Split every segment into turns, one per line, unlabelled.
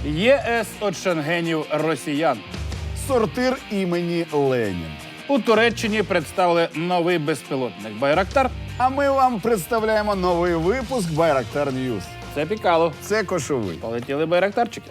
ЄС від шенгенів росіян.
Сортир імені Ленін.
У Туреччині представили новий безпілотник «Байрактар».
А ми вам представляємо новий випуск Байрактар Ньюс.
Це Пікало.
Це Кошовий.
Полетіли байрактарчики.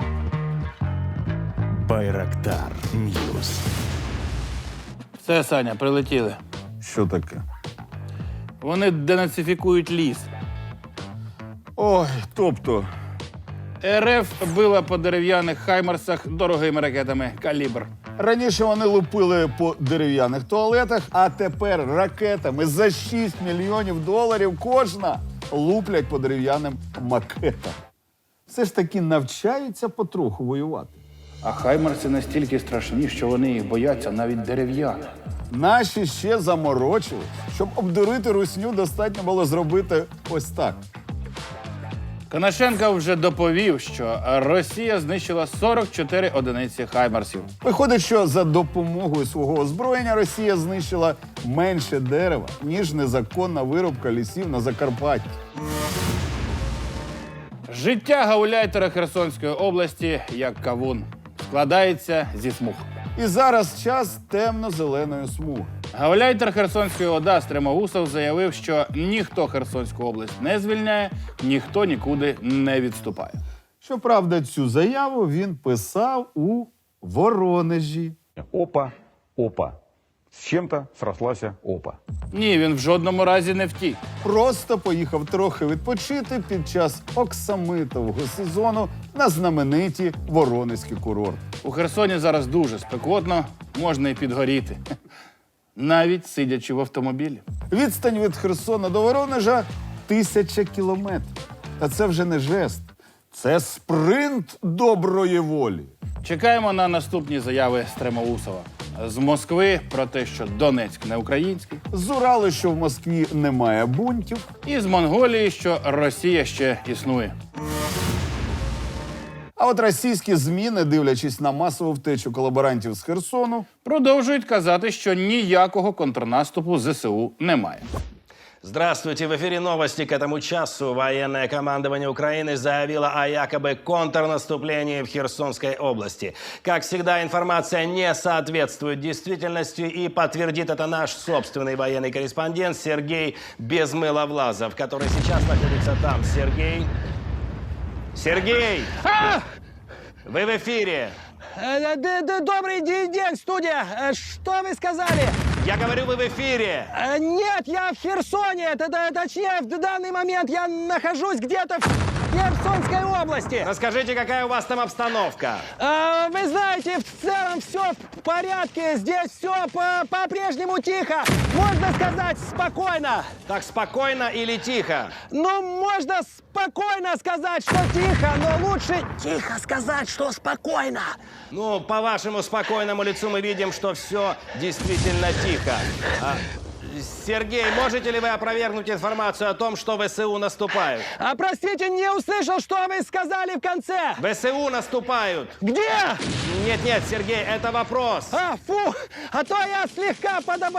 Байрактар Ньюс.
Все, Саня, прилетіли.
Що таке?
Вони денацифікують ліс.
Ой, тобто,
РФ била по дерев'яних хаймерсах дорогими ракетами «Калібр».
раніше вони лупили по дерев'яних туалетах, а тепер ракетами за 6 мільйонів доларів кожна луплять по дерев'яним макетам. Все ж таки навчаються потроху воювати.
А хаймерси настільки страшні, що вони їх бояться навіть дерев'яних.
Наші ще заморочились. Щоб обдурити русню, достатньо було зробити ось так.
Конашенко вже доповів, що Росія знищила 44 одиниці хаймерсів.
Виходить, що за допомогою свого озброєння Росія знищила менше дерева, ніж незаконна вирубка лісів на Закарпатті.
Життя гауляйтера Херсонської області як кавун. Складається зі смуг.
І зараз час темно-зеленої смуги.
Гауляйтер Херсонської ОДА Стремоусов заявив, що ніхто Херсонську область не звільняє, ніхто нікуди не відступає.
Щоправда, цю заяву він писав у Воронежі.
Опа, опа. С чем-то срослась опа.
Ні, він в жодному разі не втік.
Просто поїхав трохи відпочити під час оксамитового сезону на знамениті Воронезькі курорти.
У Херсоні зараз дуже спекотно, можна і підгоріти. Навіть сидячи в автомобілі.
Відстань від Херсона до Воронежа 1000 кілометрів. Та це вже не жест. Це спринт доброї волі.
Чекаємо на наступні заяви Стремоусова. З Москви про те, що Донецьк не український.
З Уралу, що в Москві немає бунтів.
І з Монголії, що Росія ще існує.
А от російські ЗМІ, не дивлячись на масову втечу колаборантів з Херсону,
Продовжують казати, що ніякого контрнаступу ЗСУ немає.
Здравствуйте, в эфире новости к этому часу. Военное командование Украины заявило о якобы контрнаступлении в Херсонской области. Как всегда, информация не соответствует действительности, и подтвердит это наш собственный военный корреспондент Сергей Безмыловлазов, который сейчас находится там. Сергей? Сергей! Вы в эфире!
Добрый день, студия. Что вы сказали?
Я говорю, вы в эфире!
Нет, я в Херсоне. Точнее, в данный момент я нахожусь где-то в Херсонской области.
Расскажите, какая у вас там обстановка?
Вы знаете, в целом все в порядке. Здесь все по-прежнему тихо. Можно сказать, спокойно.
Так спокойно или тихо?
Ну, можно спокойно сказать, что тихо, но лучше тихо сказать, что спокойно.
Ну, по вашему спокойному лицу мы видим, что все действительно тихо. Сергей, можете ли вы опровергнуть информацию о том, что ВСУ наступают?
Простите, не услышал, что вы сказали в конце.
ВСУ наступают.
Где?
Нет, Сергей, это вопрос.
Фу, а то я слегка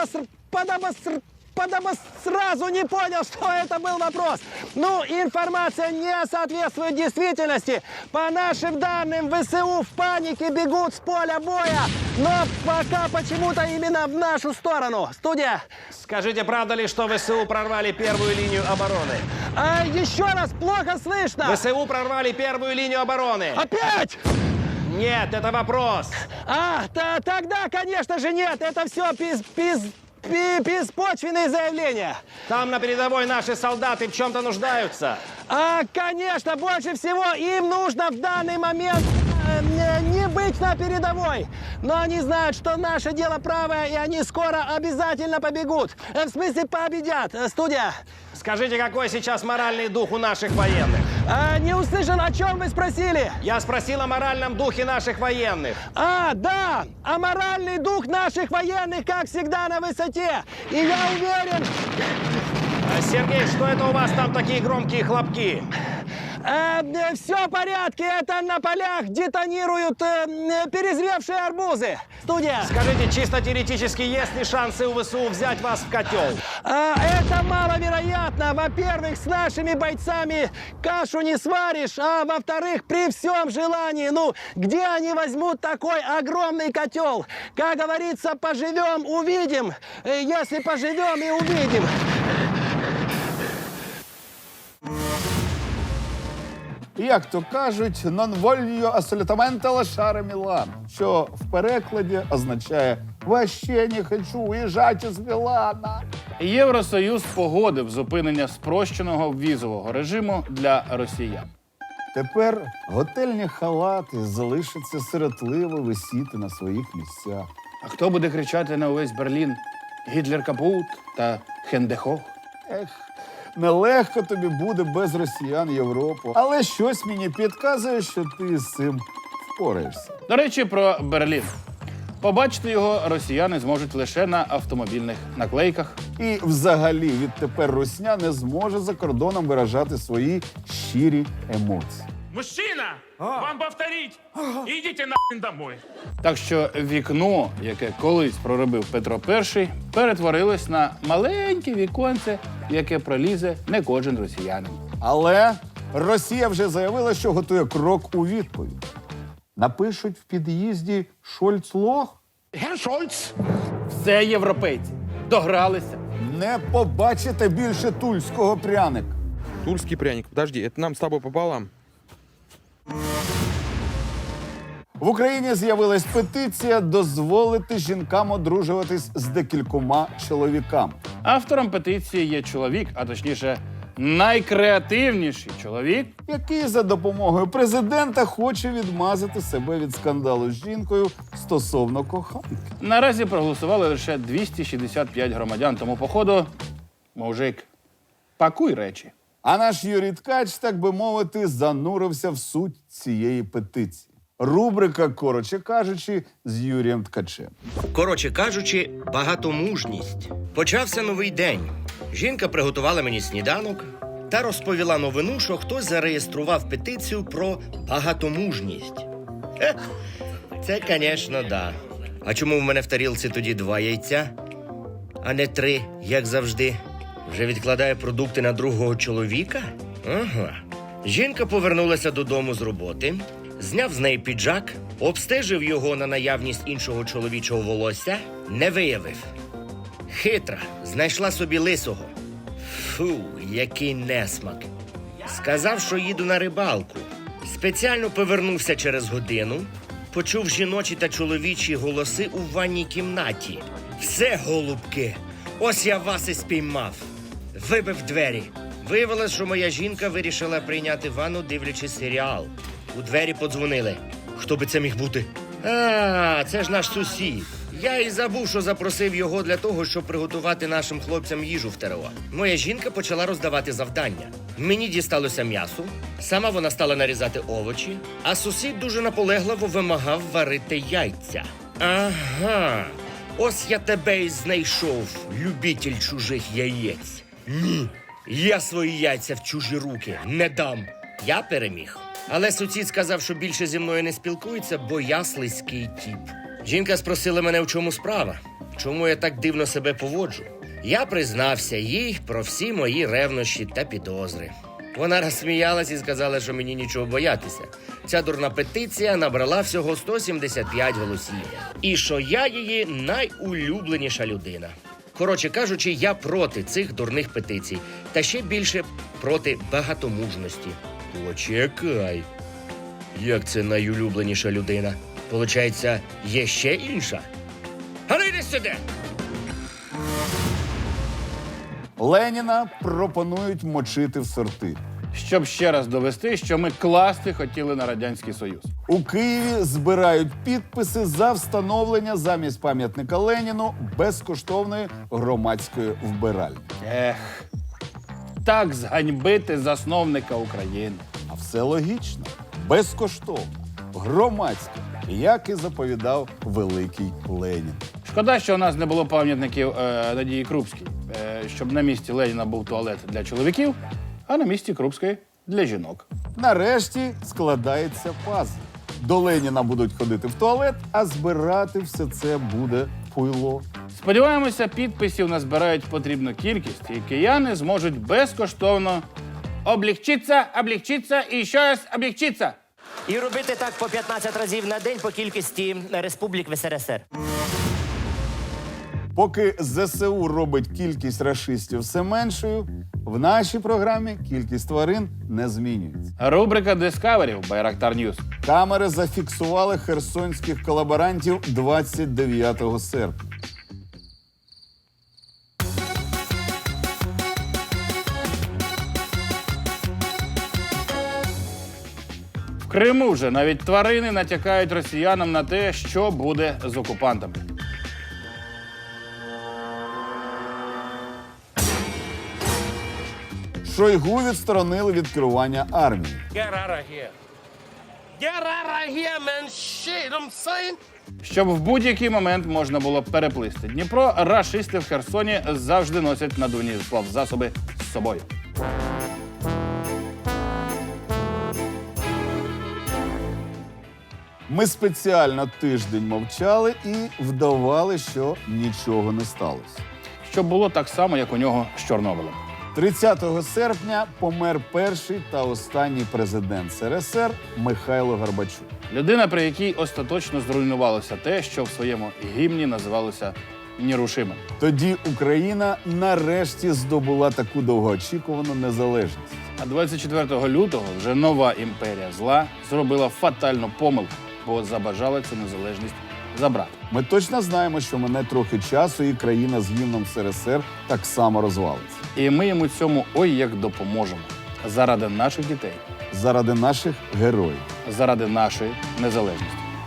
сразу не понял, что это был вопрос. Ну, информация не соответствует действительности. По нашим данным, ВСУ в панике бегут с поля боя, но пока почему-то именно в нашу сторону. Студия.
Скажите, правда ли, что ВСУ прорвали первую линию обороны?
Еще раз, плохо слышно.
ВСУ прорвали первую линию обороны.
Опять?
Нет, это вопрос.
Тогда, конечно же, нет. Это все беспочвенные заявления.
Там на передовой наши солдаты в чем-то нуждаются.
Конечно, больше всего им нужно в данный момент не быть на передовой. Но они знают, что наше дело правое, и они скоро обязательно побегут. В смысле, победят. Студия.
Скажите, какой сейчас моральный дух у наших военных?
Не услышал, о чем вы спросили?
Я спросил о моральном духе наших военных.
Да, а моральный дух наших военных, как всегда, на высоте. И я уверен...
Сергей, что это у вас там такие громкие хлопки?
Все в порядке, это на полях детонируют перезревшие арбузы. Студия.
Скажите, чисто теоретически, есть ли шансы у ВСУ взять вас в котел?
Это маловероятно. Во-первых, с нашими бойцами кашу не сваришь, а во-вторых, при всем желании, ну, где они возьмут такой огромный котел? Как говорится, поживем, увидим. Если поживем и увидим.
Як то кажуть, non voglio assolutamente lasciare Мілан, що в перекладі означає «Вообще не хочу уїжджати з Мілана».
Євросоюз погодив зупинення спрощеного візового режиму для росіян.
Тепер готельні халати залишаться сиротливо висіти на своїх місцях.
А хто буде кричати на увесь Берлін «Гітлер капут» та «Хендехох»?
Ех, нелегко тобі буде без росіян Європу. Але щось мені підказує, що ти з цим впораєшся.
До речі, про Берлін. Побачити його росіяни зможуть лише на автомобільних наклейках.
І взагалі відтепер русня не зможе за кордоном виражати свої щирі емоції.
Мужчина, вам повторить. Идите нахрен домой.
Так що вікно, яке колись проробив Петро І, перетворилось на маленьке віконце, в яке пролізе не кожен росіянин.
Але Росія вже заявила, що готує крок у відповідь. Напишуть в під'їзді «Шольц-лох»?
Все європейці догралися.
Не побачите більше тульського пряника.
Тульский пряник. Подожди, это нам с тобой пополам.
В Україні з'явилась петиція дозволити жінкам одружуватись з декількома чоловіками.
Автором петиції є чоловік, а точніше, найкреативніший чоловік.
Який за допомогою президента хоче відмазати себе від скандалу з жінкою стосовно коханки.
Наразі проголосували лише 265 громадян, тому походу, мужик, пакуй речі.
А наш Юрій Ткач, так би мовити, занурився в суть цієї петиції. Рубрика «Коротше кажучи» з Юрієм Ткачем.
Коротше кажучи, багатомужність. Почався новий день. Жінка приготувала мені сніданок та розповіла новину, що хтось зареєстрував петицію про багатомужність. Хе, це, звісно, да. А чому в мене в тарілці тоді 2 яйця, а не 3, як завжди? Вже відкладає продукти на другого чоловіка? Ага. Жінка повернулася додому з роботи, зняв з неї піджак, обстежив його на наявність іншого чоловічого волосся, не виявив. Хитра, знайшла собі лисого. Фу, який несмак. Сказав, що їду на рибалку. Спеціально повернувся через годину, почув жіночі та чоловічі голоси у ванній кімнаті. Все, голубки, ось я вас і спіймав. Вибив двері. Виявилось, що моя жінка вирішила прийняти ванну, дивлячись серіал. У двері подзвонили. Хто би це міг бути? А, це ж наш сусід. Я і забув, що запросив його для того, щоб приготувати нашим хлопцям їжу в ТРО. Моя жінка почала роздавати завдання. Мені дісталося м'ясо, сама вона стала нарізати овочі, а сусід дуже наполегливо вимагав варити яйця. Ага, ось я тебе і знайшов, любитель чужих яєць. Ні, я свої яйця в чужі руки не дам. Я переміг. Але сусід сказав, що більше зі мною не спілкується, бо я слизький тіп. Жінка спросила мене, в чому справа, чому я так дивно себе поводжу. Я признався їй про всі мої ревнощі та підозри. Вона розсміялась і сказала, що мені нічого боятися. Ця дурна петиція набрала всього 175 голосів. І що я її найулюбленіша людина. Коротше кажучи, я проти цих дурних петицій. Та ще більше проти багатомужності. Почекай. Як це найулюбленіша людина? Получається, є ще інша? А ну йди сюди!
Леніна пропонують мочити в сорти.
Щоб ще раз довести, що ми класти хотіли на Радянський Союз.
У Києві збирають підписи за встановлення замість пам'ятника Леніну безкоштовної громадської вбиральні.
Ех, так зганьбити засновника України.
А все логічно. Безкоштовно. Громадське. Як і заповідав великий Ленін.
Шкода, що у нас не було пам'ятників Надії Крупській, щоб на місці Леніна був туалет для чоловіків, а на місці Крупської для жінок.
Нарешті складається пазл. До Леніна будуть ходити в туалет, а збирати все це буде пуйло.
Сподіваємося, підписів назбирають потрібну кількість, і кияни зможуть безкоштовно облегчитися і ще раз облегчитися.
І робити так по 15 разів на день по кількості республік в СРСР.
Поки ЗСУ робить кількість рашистів все меншою, в нашій програмі кількість тварин не змінюється.
Рубрика Discovery в Байрактар Ньюс.
Камери зафіксували херсонських колаборантів 29 серпня.
В Криму вже навіть тварини натякають росіянам на те, що буде з окупантами.
Шойгу відсторонили від керування армією.
Щоб в будь-який момент можна було переплисти Дніпро, рашисти в Херсоні завжди носять надувні плавзасоби з собою.
Ми спеціально тиждень мовчали і вдавали, що нічого не сталося.
Щоб було так само, як у нього з Чорнобилем.
30 серпня помер перший та останній президент СРСР Михайло Горбачук.
Людина, при якій остаточно зруйнувалося те, що в своєму гімні називалося нерушимим.
Тоді Україна нарешті здобула таку довгоочікувану незалежність.
А 24 лютого вже нова імперія зла зробила фатальну помилку, бо забажала цю незалежність забрати.
Ми точно знаємо, що мине трохи часу, і країна з гімном СРСР так само розвалиться.
І ми йому цьому ой як допоможемо. Заради наших дітей,
Заради наших героїв.
заради нашої незалежності.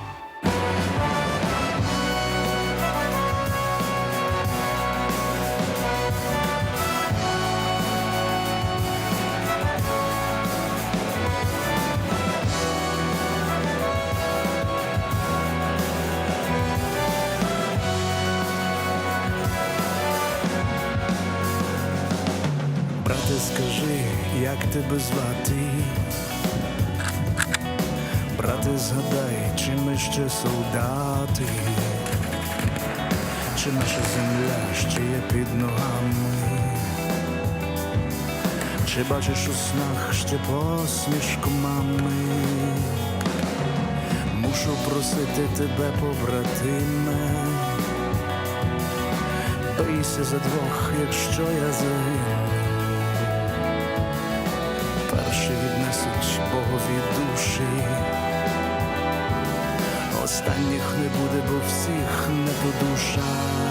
Брате, скажи, як тебе звати? Брате, згадай, чи ми ще солдати? Чи наша земля ще є під ногами? Чи бачиш у снах ще посмішку мами? Мушу просити тебе, побратиме, бийся за двох, якщо я загину. Перші віднесуть Богові душі, останніх не буде, бо всіх не по душах.